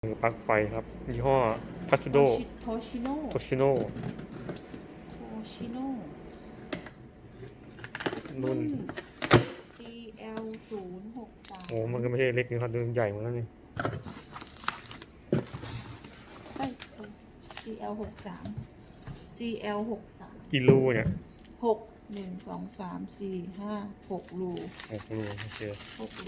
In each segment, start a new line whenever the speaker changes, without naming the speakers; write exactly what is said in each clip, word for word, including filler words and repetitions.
ปลั๊กไฟครับยี่ห้อพัสโด
โทชิโน่
โตชิโน่
โทชิโน่
รุ่น
ซี แอล ศูนย์ หก สาม
โอ้มันก็ไม่ใช่เล็กนะครับดูใหญ่เหมือนกันนี่
เอ้ย ซี แอล หก สาม ซี แอล หก สาม
กี่รูเนี่ย
หก หนึ่ง สอง สาม สี่ ห้า หกรู
หกรูโอเค
หกรู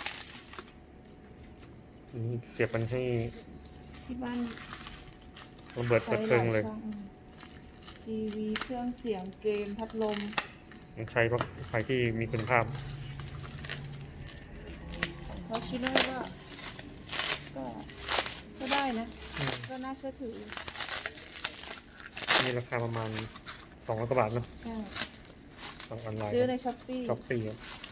นี่เสียบมันให้
ที่บ้าน
ระเบิดระเบิงเลย
ทีวี เครื่องเสียงเกมพัดลม
มันใช้ปลั๊กไฟที่มีคุณภาพ
โทชิโน่ก็ก็ ก็ได้นะ ก็น่าเชื่อถือ
นี่ราคาประมาณสองร้อยกว่าบาทเนาะ
ใช่
ทางออนไลน์
ซื้อในช้อปปี้
ช้อปปี้ครับ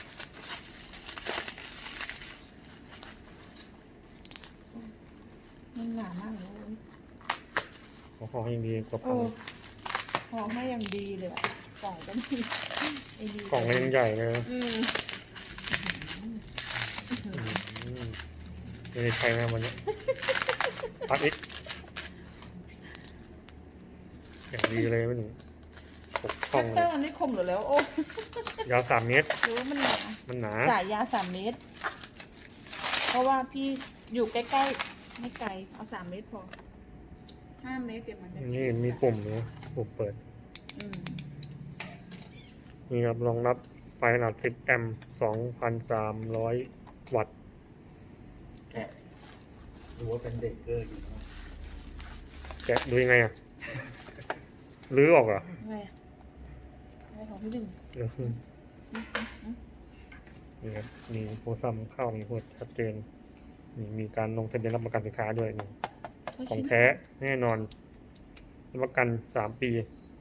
มันหนามากเลย
ของของยังดีกว่าพั
โอ้
น
ห่อให้อย่างดีเลยอะกล่องก็มีไอ้ดี
กล่องก็ยังใหญ่เลยนะ
อืม
อืมไม่ได้ใช้นะวันนี้พัดอีกอย่างดีเลยมันหกช่
คั
อง
ต
เล
เตอย ร์มันไม่คมหรือแล้ว โอ้
ยาวสามเมตร
หรือว่ามันหนา
มันหนา
สายยาวสามเมตร เพราะว่าพี่อยู่ใกล้ๆ ไม่ไกล เอาสามเมตรพอห้าเมตรเดี๋ยวมันจะ
นี่มีปุ่มนะปุ่มเปิด
อืม
นี่ครับรองรับไฟขนาดสิบแอมป์สองพันสามร้อยวัตต์
แกะดูว่าเป็นเบรกเกอร์อยู่นะ
แกะดูยังไงอ่ะ ลื้อออกเหรอ
อะไรอะอะไรของพี่ดึง
เดี๋ยวนี่ครับมีโปรซัมเข้ามีโปรชัดเจนมีมีการลงทะเบียนรับประกันสินค้าด้วยนี่ของแท้แน่นอนรับประกันสามปี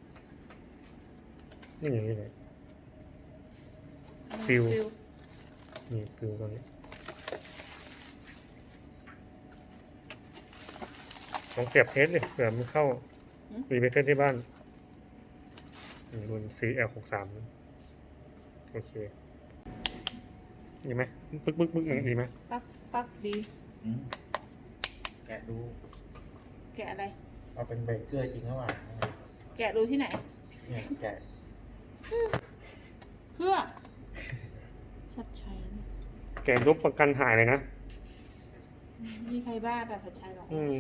นี่อย่างนี้เลย ฟิล นี่ฟิลตัวนี้ลองเสียบเทสเลยเผื่อมันเข้ามีไปเทสที่บ้านนี่รุ่น ซี แอล หก สาม โอเคดีไหมปึ๊กปึ๊กปึ๊กดีไหม
ปักปักดี
อืมแกะดู
แกะอะไร
ว่าเป็นเบรกเกอร์จริงหรือเปล่า
แกะดูที่ไหน
เนี่ยแกะ
เพื่อ ชัดชัยนะ
แกะรูปประกันหายเลยนะ
มีใครบ้าแบบชัดชัยหรอ
อืม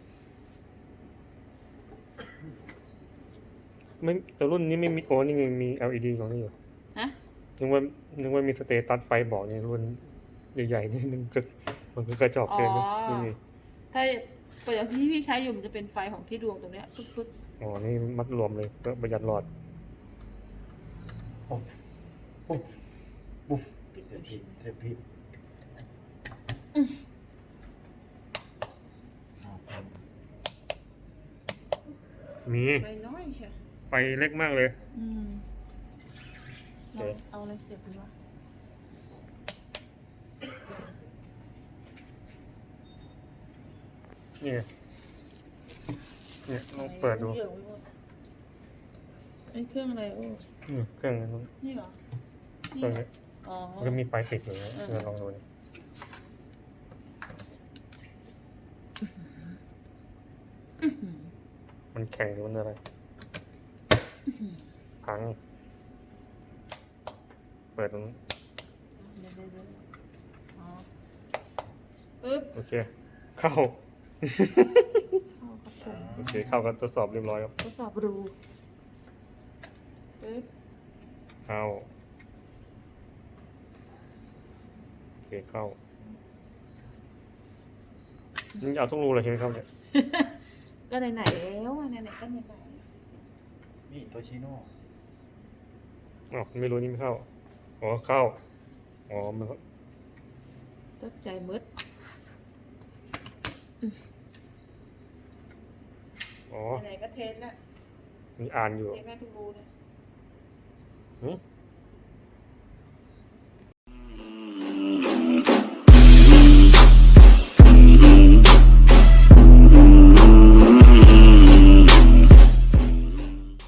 ไม่แต่รุ่นนี้ไม่มีโอ้นี่มี แอล อี ดี ของนี่อยู่
ฮะ
นึกว่านึกว่ามีสเตตัสไฟบอกเนี่ยรุ่นใหญ่ๆนี่นึงก็มันก็กระจอกเกินนะนี่มี
ถ้าปกติที่พี่ใช้อยู่มันจะเป็นไฟของที่ดวงตรงเนี้ยปึ๊บปึ๊บ
อ๋อนี่มัดรวมเลยเพื่อประหยัดหลอด
ปุ๊บปุ๊บปุ๊บ
ปิด
เสียบผิดเสียบผิดอ้าวครับ
มี
ไฟน้อยใช่
ไฟเล็กมากเลย
อืม
โอเค
เอาอะไรเสียบดีวะ
นี่เนี่ยลองเปิดดู
ไอ้เครื่องอะไรโอ้
อืมเครื่องนี้
นี่เหรอ
เครื่องนี้
อ๋อ
มันก็มีไฟติดอยู่นะ
เออ
เราลองดูนี่มันแข็งหรือมันอะไรพังเปิดตรงนี้
เดี๋ยวเดี๋ยวเดี๋ยวอ๋อปึ๊บ
โอเค เข้า
เข้าครับผม
โอเคเข้ากันทดสอบเรียบร้อยครับ
ทดสอบรูปึ๊บ
เข้าโอเคเข้านี่เอาทุกรูเลยใช่ไหมครับเนี่ย
ก็ไหนๆแล้วอ่ะไหนๆก็ไหน
นี่โตชิโน่
อ๋อไม่รู้นี่ไม่เข้าอ๋อเข้าอ๋อมัน
ๆตกใจมืด
อ๋อ
ไหนๆก็เทสแล้ว
มีอ่านอยู่
เทสแม่ทุกรูเลย
หืม